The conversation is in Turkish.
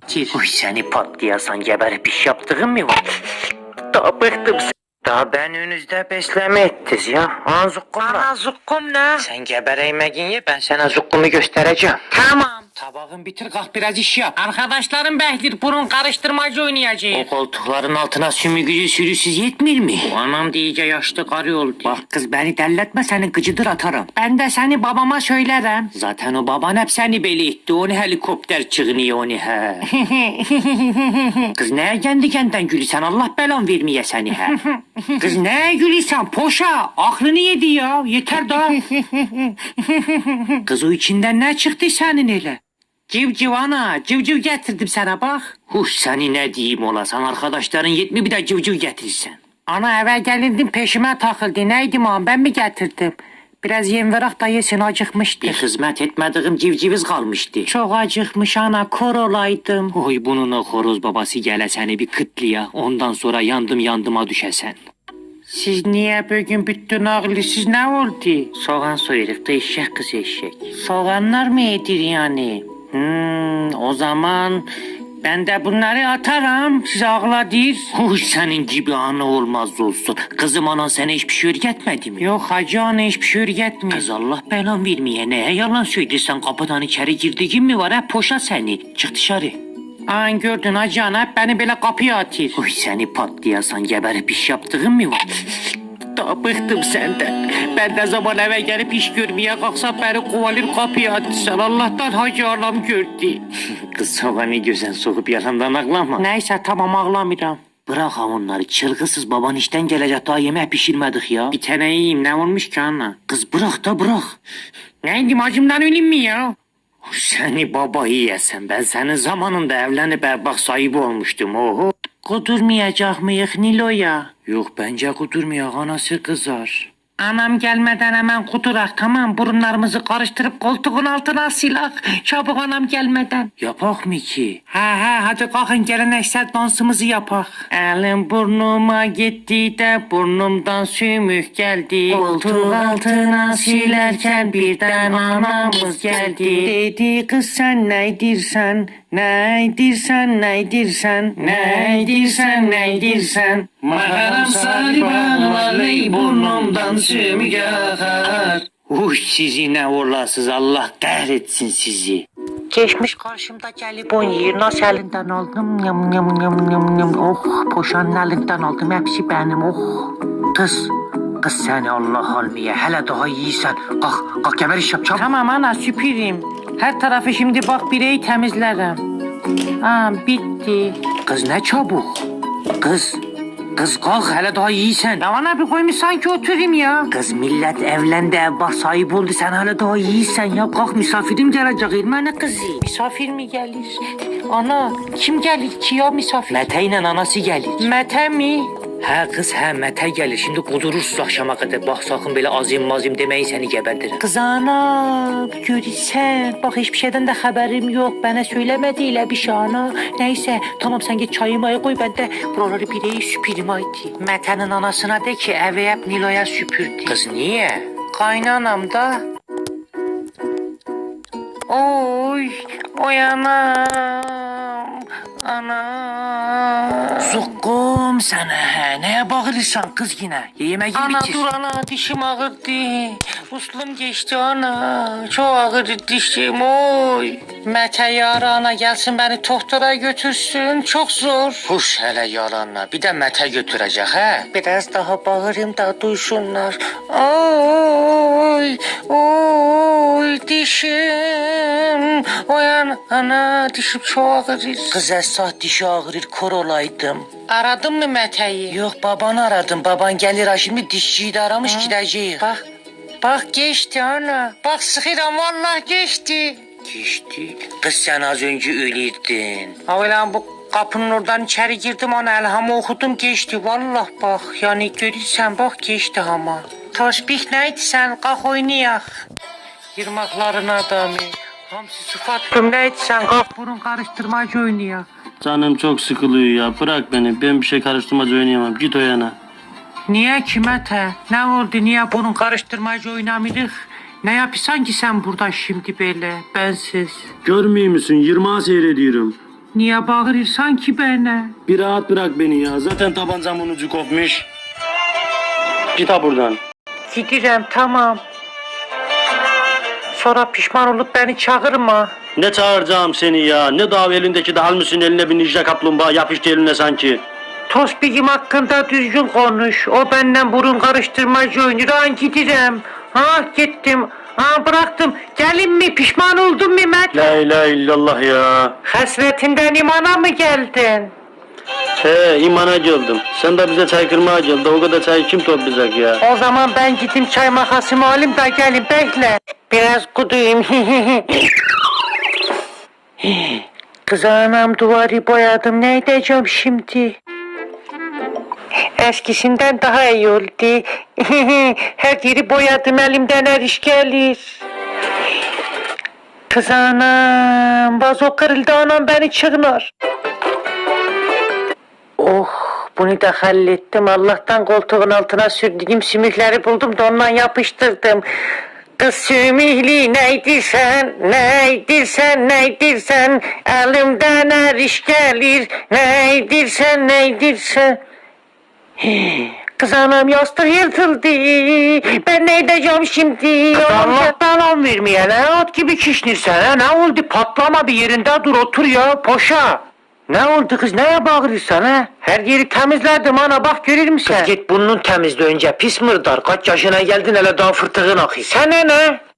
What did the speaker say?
getir. Uy seni patlayasan geberip iş yaptığın mı var? Daha bıktım sen. Daha ben önünüzde besleme ettiniz ya. Zukkumla. Ana zukkum ne? Sen gebereymeyin ye, ben sana zukkumu göstereceğim. Tamam. Tabağın bitir, kalk biraz iş yap. Arkadaşlarım beklir, burun karıştırmacı oynayacağız. O koltukların altına sümüğü sürüsüz yetmir mi? Bu anam iyice yaşlı karı oldu. Bak kız beni delletme, seni gıcıdır atarım. Ben de seni babama söylerim. Zaten o baban hep seni beli itti. Onu helikopter çığınıyor onu he. Kız neye kendi kendinden gülüsen, Allah belan vermeye seni he. Kız neye gülüsen poşa, aklını yedi ya, yeter daha. Kız o içinden ne çıktı senin öyle? Civciv ana, civciv getirdim sana bak. Huş seni ne diyeyim olasan, arkadaşların yetmi bir de civciv getirirsen. Ana eve gelirdim peşime takıldı, neydim ağam ben mi getirdim? Biraz yem verak da yesin, acıkmıştı. Bir hizmet etmediğim civciviz kalmıştı. Çok acıkmış ana, kor olaydım. Oy bunun o horoz babası gele seni bir kıtlıya, ondan sonra yandıma düşesen. Siz niye bugün bütün ağlısız ne oldu? Soğan soyuruk da eşek kız eşek. Soğanlar mı yedir yani? O zaman ben de bunları atarım, siz ağladır. Uy senin gibi ana olmaz olsun. Kızım anan sana hiçbir şey öğretmedi mi? Yok hacı ana hiçbir şey öğretmiyor. Kız Allah belan vermeye neye yalan söylüyorsan, kapıdan içeri girdiğin mi var, hep poşa seni. Çık dışarı. An gördün hacı ana, hep beni böyle kapıya atır. Uy seni patlayasan geberip iş yaptığın mı var? Daha bıktım senden. Ben ne zaman eve gelip iş görmeye kalksam beni kovalır kapıya atırsan, Allah'tan hacı anam gördü. Kız soğanı gözen sokup yalandan ağlama. Neyse tamam ağlamıyorum. Bırak onları, çılgısız baban işten gelecek, daha yemek pişirmedik ya. Bir tane yiyeyim, ne olmuş ki ana? Kız bırak da bırak. Neydim acımdan öleyim mi ya? Seni baba yiyesen, ben senin zamanında evlenip erbak sahibi olmuştum oho. Kudurmayacak mıyık Nilo'ya? Yok bence kudurmayak, anası kızar. Anam gelmeden hemen kudurak, tamam, burunlarımızı karıştırıp koltuğun altına silak. Çabuk anam gelmeden. Yapak mı ki? He hadi kalkın geleneksel dansımızı yapak. Elim burnuma gitti de burnumdan sümük geldi. Koltuğun altına silerken birden anamız geldi. Dedi kız sen neydirsen, neydirsen, neydirsen, neydirsen, neydirsen. Makaram sarıban vallahi burnumdan sümük akar. Sizi ne olasız, Allah kahretsin sizi. Geçmiş karşımda jelibon yer, nasıl elinden aldım? Yam yam yam yam yam. Oh poşanın elinden aldım, hepsi benim oh. Kız seni Allah almaya, hele daha iyiysen. Kalk geber iş yap çabuk. Tamam ana süpüreyim. Her tarafı şimdi bak bireyi temizlerim. Bitti. Kız ne çabuk. Kız kalk, hele daha iyiysen. Yaman abi koymuş sanki oturayım ya. Kız millet evlendi, ev bak sahip oldu, sen hele daha iyiysen ya. Kalk misafirim gelecek, ilmene kızı. Misafir mi gelir? Ana kim gelir ki ya misafir? Mete ile anası gelir. Mete mi? He kız he, Mete gelir, şimdi kudurursuz akşama kadar. Bak sakın böyle azim mazim demeyin, seni gebertirim. Kız ana görürsen bak, hiçbir şeyden de haberim yok, bana söylemediyle bir şey ana. Neyse tamam, sen git çayımı koy, ben de buraları bireyi süpüreyim haydi. Mete'nin anasına de ki evi hep Nilo'ya süpürdü. Kız niye? Kaynanam da. Oy anam. Ana. Zukkum sana he. Neye bağırırsan kız yine? Yemeği bitir. Ana dur ana, dişim ağırdı. Uslum geçti ana. Çok ağır dişim oy. Mete yarı ana gelsin beni doktora götürsün. Çok zor. Huş hele yalanla. Bir de Mete götürecek he. Biraz daha bağırayım da duysunlar. Oy dişim. Oyan ana, dişim çok ağrır. Kız esah dişi ağrır, kor olaydım. Aradın mı Mete'yi? Yok babanı aradım. Baban gelir ha şimdi, dişçiyi de aramış, gideceğiz. Bak geçti ana. Bak sıkıram vallahi geçti. Geçti. Kız sen az önce ölüydün. Ulan bu kapının oradan içeri girdim ana, elhamı okudum geçti. Vallahi bak yani görürsen bak geçti ama. Tasbih neydi sen, kalk oynayak. Yırmakların adamı. Hamsi sıfattım neydi sen, kalk burun karıştırmacı oynayak. Canım çok sıkılıyor ya, bırak beni, ben bir şey karıştırmacı oynayamam, git o yana. Niye ki Mete? Ne oldu, niye burun karıştırmacı oynamıyoruz? Ne yapıyorsun ki sen burada şimdi böyle bensiz? Görmüyor musun, 20'a seyrediyorum. Niye bağırırsan ki bana? Bir rahat bırak beni ya. Zaten tabancamın ucu kopmuş. Git ha buradan. Gidirəm, tamam. Sonra pişman olup beni çağırma. Ne çağıracağım seni ya? Ne dav elindeki de almışsın eline bir ninja kaplumbağa yapıştı eline sanki. Tospik'im hakkında düzgün konuş. O benden burun karıştırmacı oynuyor. Ben gidirəm. Ha gittim. Ha bıraktım. Gelin mi? Pişman oldun mu Mehmet? La ilahe illallah ya. Hasretinden imana mı geldin? He imana geldim. Sen de bize çay kırmaya geldi. O kadar çayı kim toplayacak ya? O zaman ben gideyim çay makasımı alayım da gelin bekle. Biraz kuduyum. Kız anam duvarı boyadım. Ne edeceğim şimdi? Eskisinden daha iyi oldu. Her yeri boyadım elimden her iş gelir. Kız anam vazo kırıldı anam beni çığınar. Oh bunu da hallettim. Allah'tan koltuğun altına sürdüğüm sümükleri buldum da ondan yapıştırdım. Kız sümüklü neydirsen, neydirsen, neydirsen, elimden her iş gelir, neydirsen, neydirsen. Kız anam yastık yırtıldı. Ben ne edeceğim şimdi? Allah'tan an vermeyene at gibi kişnirsen ha. Ne oldu patlama bir yerinde dur otur ya poşa. Ne oldu kız neye bağırırsan ha? Her yeri temizledim ana bak görür müsün? Kız git burnunu temizle önce pis mırdar. Kaç yaşına geldin hele daha fırtığın akıyor. Sana ne?